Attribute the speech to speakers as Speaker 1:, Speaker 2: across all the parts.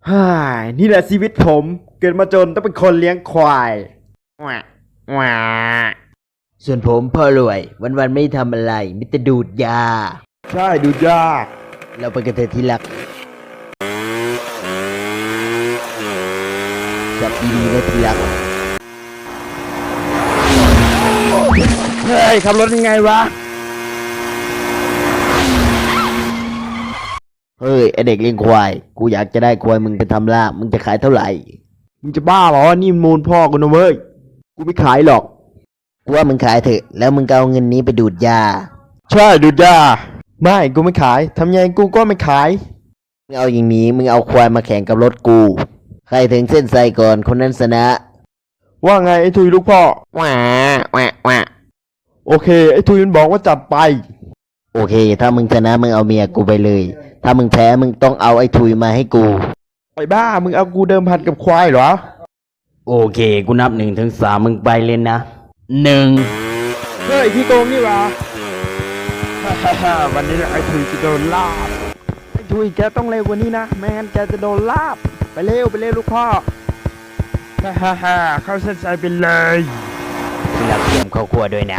Speaker 1: ฮ่านี่แหละชีวิตผมเกิดมาจนต้องเป็นคนเลี้ยงควายว้า
Speaker 2: ส่วนผมพ่อรวยวันๆไม่ทำอะไรมิแต่ดูดยา
Speaker 1: ใช่ดูยาก
Speaker 2: เราไปกันเถอะที่รักจับดีๆนะที่รัก
Speaker 1: เฮ้ยขับรถยังไงวะ
Speaker 2: เฮ้ยไอเด็กเลี้ยงควายกูอยากจะได้ควายมึงไปทำลาบมึงจะขายเท่าไหร่
Speaker 1: มึงจะบ้าเหรอนี่มูลพ่อกูนะเว้ยกูไม่ขายหรอก
Speaker 2: กูว่ามึงขายเถอะแล้วมึงก็เอาเงินนี้ไปดูดยา
Speaker 1: ใช่ดูยาไม่กูไม่ขายทำยังไงกูก็ไม่ขาย
Speaker 2: มึงเอาอย่างนี้มึงเอาควายมาแข่งกับรถกูใครถึงเส้นชัยก่อนคนนั้นชนะ
Speaker 1: ว่าไงไอ้ทุยลูกพ่อ
Speaker 2: ว้าว้าว้า
Speaker 1: โอเคไอ้ทุยมันบอกว่าจัดไป
Speaker 2: โอเคถ้ามึงชนะมึงเอาเมียกูไปเลยถ้ามึงแพ้มึงต้องเอาไอ้ทุยมาให้กู
Speaker 1: ไอ้บ้ามึงเอากูเดิมพันกับควายเหรอ
Speaker 2: โอเคกูนับ1 ถึง 3มึงไปเลยนะ1
Speaker 1: เฮ้ยพี่โกงนี่หว่าวันนี้ไอ้ทุยจะโดนลาบไอ้ทุยแกต้องเร็วกว่านี้นะไม่งั้นแกจะโดนลาบไปเร็วลูกพ่อเข้าเส้นชัยไปเลย
Speaker 2: ที่รักเตรียมข้าวคั่วด้วยนะ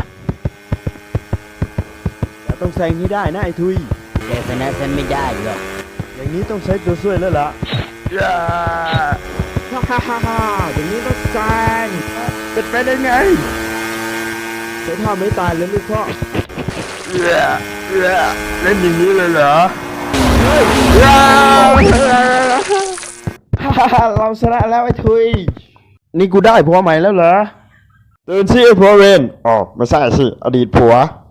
Speaker 1: แต่ต้องแซงให้ได้นะไอ้ทุย
Speaker 2: แกชนะฉันไม่ได้หรอก
Speaker 1: อย่างนี้ต้องใช้ตัวช่วยแล้วล่ะอย่างนี้ต้องแซงเป็นไปได้ไงใช้ท่าไม่ตายเลยลูกพ่อเล่นอย่างนี้เลยเหรอเราชนะแล้วไอ้ทุยนี่กูได้ผัวใหม่แล้วเหรอเตือนสิไอ้ผัวเวนอ๋อไม่ใช่สิอดีตผัว